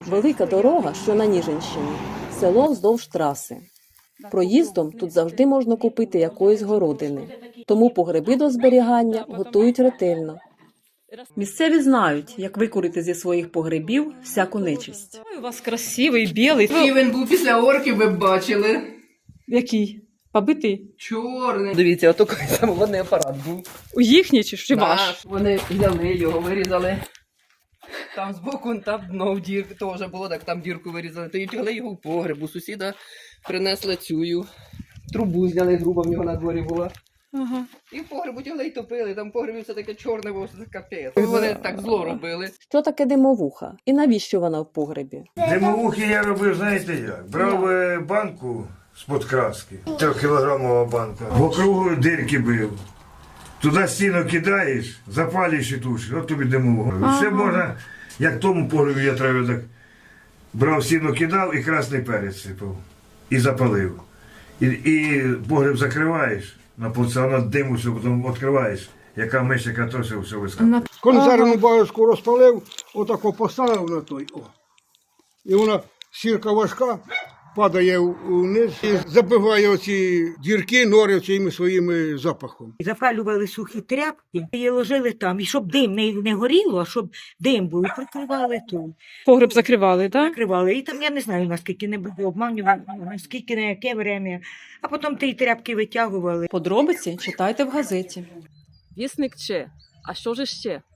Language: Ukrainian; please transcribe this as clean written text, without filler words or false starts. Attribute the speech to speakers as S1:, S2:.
S1: Велика дорога, що на Ніжинщині, село вздовж траси. Проїздом тут завжди можна купити якоїсь городини, тому погреби до зберігання готують ретельно. Місцеві знають, як викурити зі своїх погребів всяку нечисть.
S2: Ой, у вас красивий, білий.
S3: Який він був після орків, ви б бачили.
S2: Який? Побитий?
S3: Чорний. Дивіться, отакий самоводний апарат був.
S2: У їхній чи ваш?
S3: Наш. Вони взяли його, вирізали. Там збоку, там дно в дірку теж було, так там дірку вирізали. То й тягли його в погреб. У сусіда принесли цю трубу, зняли грубо, в нього на дворі була.
S2: Ага.
S3: І в погребу тягли і топили. Там в погребі все таке чорне було, що це капець. Вони так зло робили.
S1: Що таке димовуха? І навіщо вона в погребі?
S4: Димовухи я робив, знаєте як? Брав банку з-под краски, 3-кілограмова банка, в округу дирки бив. Туди стіну кидаєш, запалюєш і тушиш, от тобі димовуха. Все можна, як в тому погребі я травив, так брав стіну, кидав і красний перець сипав. І запалив. І погреб закриваєш, на полця диму, все, потім відкриваєш. Яка миш, яка то все вискакує.
S5: Консервну баночку розпалив, отако поставив на той. О. І вона сірка важка, падає вниз і забиває оці дірки, нори цими своїми запахом.
S6: Запалювали сухі тряпки і ложили там. І щоб дим не горіло, а щоб дим був, і прикривали тут.
S2: Погреб закривали, так?
S6: Закривали. І там, я не знаю, наскільки не було обманювали, наскільки, на яке время. А потім ті тряпки витягували.
S2: Подробиці читайте в газеті. Вісник Че. А що ж ще?